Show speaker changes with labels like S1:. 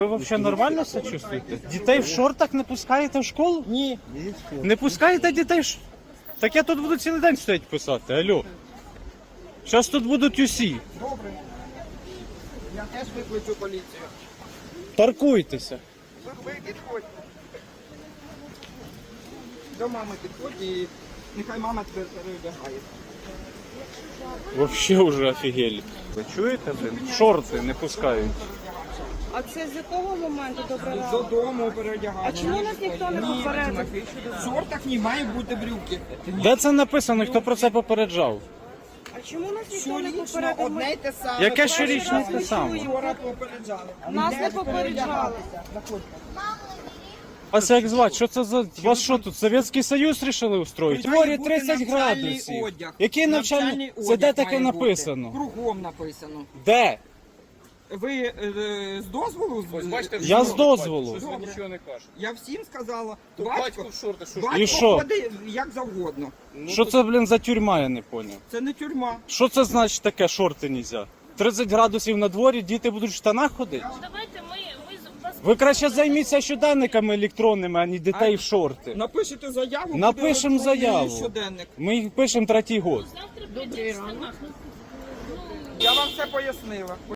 S1: Ви взагалі нормально себе чувствуєте? Дітей в шортах не пускаєте в школу?
S2: Ні.
S1: Не пускаєте дітей? Так я тут буду цілий день стоять писати, алло. Зараз тут будуть усі.
S2: Добре. Я теж викличу поліцію.
S1: Паркуйтеся.
S2: Ви підходьте. До мами підходь і нехай мама тебе переодягає.
S1: Вообще уже офігели. Ви чуєте, блин? Шорти не пускають.
S3: А це з якого моменту добре рано?
S2: Додому переодягає.
S3: А чому нас ніхто не попередив?
S2: В шортах не має бути брюки.
S1: Де це написано, хто про це попереджав?
S3: А чому нас ніхто не
S2: Щорічно
S3: попередив?
S2: одне й те саме.
S1: Яке
S3: перший
S1: щорічне
S3: раз
S1: те
S3: не
S1: саме?
S3: чуємо.
S2: Вчора попереджали.
S3: Нас не попереджали.
S1: Вас як звати? Що це за... Вас що тут, Совєтський Союз рішили устроїти?
S2: Має
S1: Морі
S2: бути
S1: 30
S2: навчальний
S1: градусів.
S2: одяг.
S1: Який навчальний? Це
S2: одяг
S1: де таке
S2: має бути.
S1: написано?
S2: Кругом написано.
S1: Де?
S2: Ви з дозволу?
S1: Я з дозволу.
S2: Добре. Я всім сказала.
S4: Батько в шорти, що ж?
S2: Батько
S1: І що?
S2: ходить як завгодно.
S1: Що це, блін, за тюрма, я не поняв.
S2: Це не тюрма.
S1: Що це значить таке, шорти нельзя? 30 градусів на дворі, діти будуть в штанах ходити?
S5: Давайте ми вас
S1: Ви краще займіться щоденниками електронними, а не дітей в шорти.
S2: Напишете заяву.
S1: Напишемо
S2: буде електронний
S1: заяву.
S2: щоденник.
S1: Ми їх пишемо третій год.
S5: завтра прийдемо в штанах.
S2: Я вам все пояснила.